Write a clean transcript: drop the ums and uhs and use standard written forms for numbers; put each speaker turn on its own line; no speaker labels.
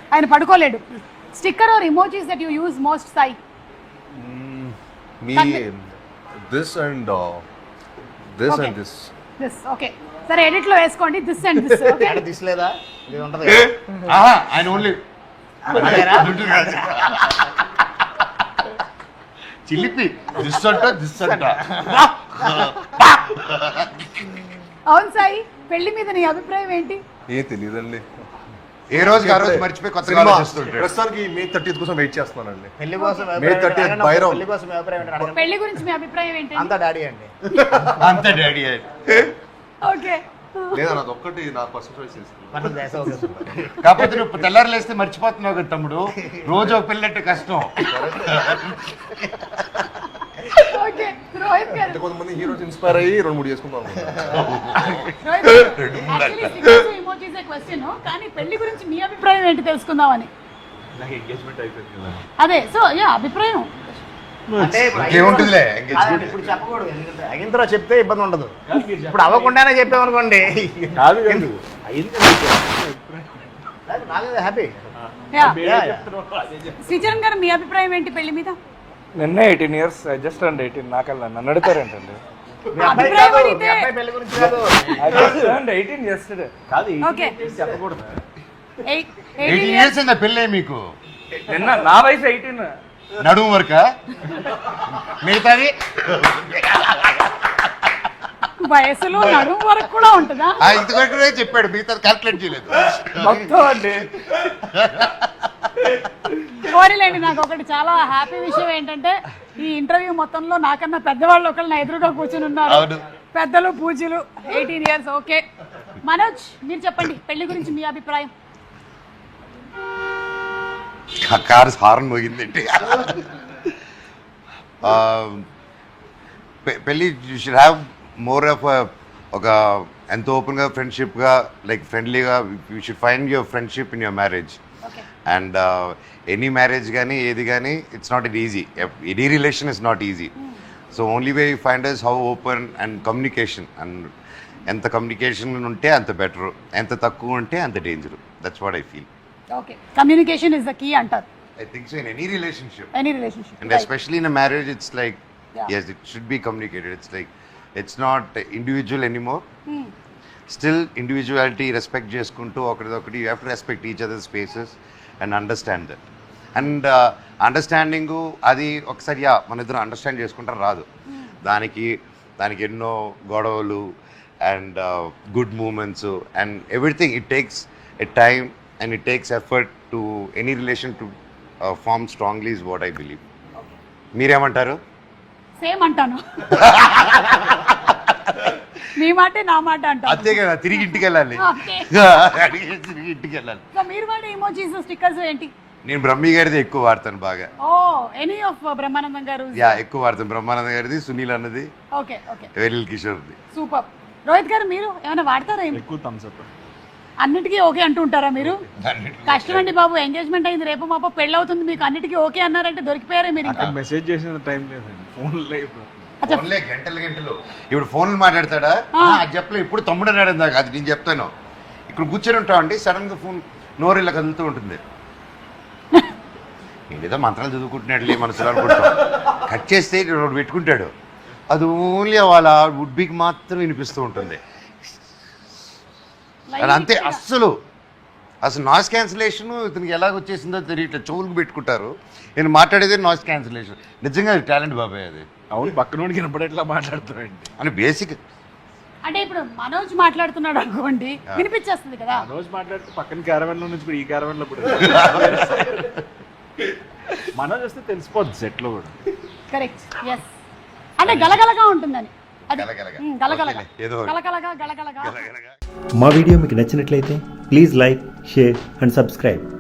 ఆయన పడుకోలేడు. Sticker or emojis that you use most Sai?
Me, this and this
Okay.
and this.
This okay, సరే edit లో వేసుకోండి this and this. Okay,
అంటే తీసలేదా ఇది ఉంటది
ఆయన ఓన్లీ చిలిపి దిస్ అంట దిస్ అంట.
అవును సాయి, పెళ్లి మీద నీ అభిప్రాయం ఏంటి?
ఏ తెలియదండి.
ఏ రోజుకి ఆ రోజు మర్చిపోయి కొత్తగా ఆలోచిస్తుంటాడు.
ప్రస్తుతానికి May 30th కోసం వెయిట్ చేస్తున్నానండి.
పెళ్లి కోసం
May 30th బైరం.
పెళ్లి కోసం మీ అభిప్రాయం ఏంటి అడగండి.
పెళ్లి గురించి మీ అభిప్రాయం ఏంటి?
అంతా డాడీ అండి.
అంతే డాడీ.
ఓకే,
లేదా నాది ఒక్కటి నా పర్సనల్ చాయిస్ తీసుకున్నాను.
మనం దేశం అవుతుంది.
కాకపోతే నువ్వు తెల్లారు లేస్తే మర్చిపోతున్నావు కదా తమ్ముడు, రోజు ఒక పెళ్ళంటే కష్టం.
ఓకే. రోహిత్ గారు,
అంటే కొంతమంది హీరోస్ ఇన్స్పైర్ అయ్యి 2-3 చేసుకుందాం.
ఇమోజీస్ క్వశ్చన్, కానీ పెళ్లి గురించి మీ అభిప్రాయం ఏంటి తెలుసుకుందామని.
నాకు ఎంగేజ్మెంట్ అయిపోయింది కదా.
అదే, సో యా అభిప్రాయం.
అంటే ఇప్పుడు
ఏముంటుందిలే
అదండి, ఇప్పుడు చెప్పకూడదు. ఎందుకంటే అయిన తర్వాత చెప్తే ఇబ్బంది ఉండదు. ఇప్పుడు అవ్వకుండానే చెప్పామనుకోండి
కాదు
నాదే హ్యాపీ.
శ్రీచరణ్ గారు, మీ అభిప్రాయం ఏంటి పెళ్లి మీద?
నిన్నే 18 years, జస్ట్ అండ్ 18. నాకల్లా నన్ను అడుగుతారేంటండి?
మీ అబ్బాయి
అభిప్రాయం
కాదు,
అడిగితే-
మీ అబ్బాయి పెళ్లి గురించి కాదు.
And 18 yesterday.
ఓకే,
చెప్పకూడదు.
18 years అయిందా పెళ్ళే మీకు?
నిన్న నా వయసు 18.
నడుము వరక మిగతాది
వయసులో నడుము వరకు కూడా ఉంటుందా?
ఇంతకంటే చెప్పాడు, మిగతాది క్యాల్కులేట్ చేయలేదు.
మొత్తం అండి.
కోరిలేండి. నాకు ఒకటి చాలా హ్యాపీ విషయం ఏంటంటే, ఈ ఇంటర్వ్యూ మొత్తంలో నాకన్నా పెద్దవాళ్ళు ఒకళ్ళు నా ఎదురుగా కూర్చుని ఉన్నారు.
అవును.
పెద్దలు పూజలు. 18 years. ఓకే, మనోజ్ మీరు చెప్పండి పెళ్లి గురించి మీ అభిప్రాయం.
కారు హార్న్ మోగిందండి. పెళ్ళి you should have more of ఒక ఎంతో ఓపెన్గా ఫ్రెండ్షిప్గా, లైక్ ఫ్రెండ్లీగా. You should find your friendship in your marriage.
Okay,
and any marriage కానీ ఏది కానీ it's not it easy. Any relation is not easy. So only way you find is how open and communication. And ఎంత communication ఉంటే అంత better, ఎంత తక్కువ ఉంటే అంత danger. That's what I feel.
Okay, communication is the key అంటారు.
I think so in any relationship.
Any relationship.
And especially in a marriage, it's like,
Yeah.
yes, it should be communicated. It's like, it's not individual anymore. Still, individuality, respect చేసుకుంటూ ఒకరిదొకటి, you have to respect each other's spaces and understand that. And understanding అది ఒకసారి మన ఇద్దరు understand చేసుకుంటారు రాదు. దానికి ఎన్నో గొడవలు and good moments and everything. It takes a time and it takes effort to any relation to form strongly is what I believe. మీరేమంటారు?
సేమ్ అంటాను. మీ మాటే నా మాట అంటాను.
అంతే కదా, తిరిగి ఇంటికి వెళ్ళాలి.
Okay.
తిరిగి ఇంటికి వెళ్ళాలి.
సో మీరు వాడే ఇమోజీస్ స్టిక్కర్స్ ఏంటి?
నేను బ్రహ్మి గారిది ఎక్కువ వాడతాను బాగా.
ఓ, ఎనీ ఆఫ్ బ్రహ్మానందం గారు?
యా, ఎక్కువ వాడతాను. బ్రహ్మానంద గారిది, సునీల్ అన్నది,
ఓకే ఓకే,
వెలిల్ కిషోర్ది.
సూపర్. రోహిత్ గారు, మీరు ఏమైనా వాడతారా?
ఎక్కువ థమ్స్ అప్.
అన్నిటికీ ఓకే అంటూ ఉంటారా మీరు? కష్టం అండి బాబు, ఎంగేజ్మెంట్ అయింది, రేపు మాపో పెళ్ళి అవుతుంది, మీకు అన్నిటికీ ఓకే అన్నారంటే దొరికిపోయారే మీరు. ఇంకా
మెసేజ్ చేసిన టైం లేదండి, ఫోన్ లేదు.
ఫోన్లే గంటలు ఇప్పుడు ఫోన్లు మాట్లాడతాడా? అది చెప్పలే, ఇప్పుడు తమ్ముడు అన్నాడు ఇందాక, అది నేను చెప్తాను. ఇక్కడ కూర్చొని ఉంటామండి, సడన్ గా ఫోన్ నోరు ఇలా కదులుతూ ఉంటుంది. ఏదో మంత్రాలు చదువుకుంటున్నాడులే మనసులో అనుకుంటాం. కట్ చేస్తే పెట్టుకుంటాడు. అది ఓన్లీ వాళ్ళ వుడ్ బికి మాత్రం వినిపిస్తూ ఉంటుంది. అది అంతే. అసలు నాయిస్ క్యాన్సిలేషన్ ఇతనికి ఎలాగ వచ్చేసిందో తెలియట్లేదు. చెవులకు పెట్టుకుంటారు. నేను మాట్లాడేది నాయిస్ క్యాన్సిలేషన్. నిజంగా అది టాలెంట్ బాబాయ్. అది
అవును, పక్కనోడికి వినపడేట్లా మాట్లాడుతారండి.
అని బేసిక్.
అంటే ఇప్పుడు మనోజ్ మాట్లాడుతున్నాడు అనుకోండి, వినిపించేస్తుంది కదా.
మనోజ్ మాట్లాడితే పక్కన క్యారవెన్ లో నుంచి ఇప్పుడు ఈ క్యారవెన్ లో కూడా మనోజ్ వస్తే తెలిసిపోద్ది సెట్ లో కూడా.
Correct, yes. అంటే గలగలగా ఉంటుందని. అది
గలగలగా.
గలగలగా,
ఏదో
గలగలగా, గలగలగా.
మా వీడియో మీకు నచ్చినట్లయితే please like, share and subscribe.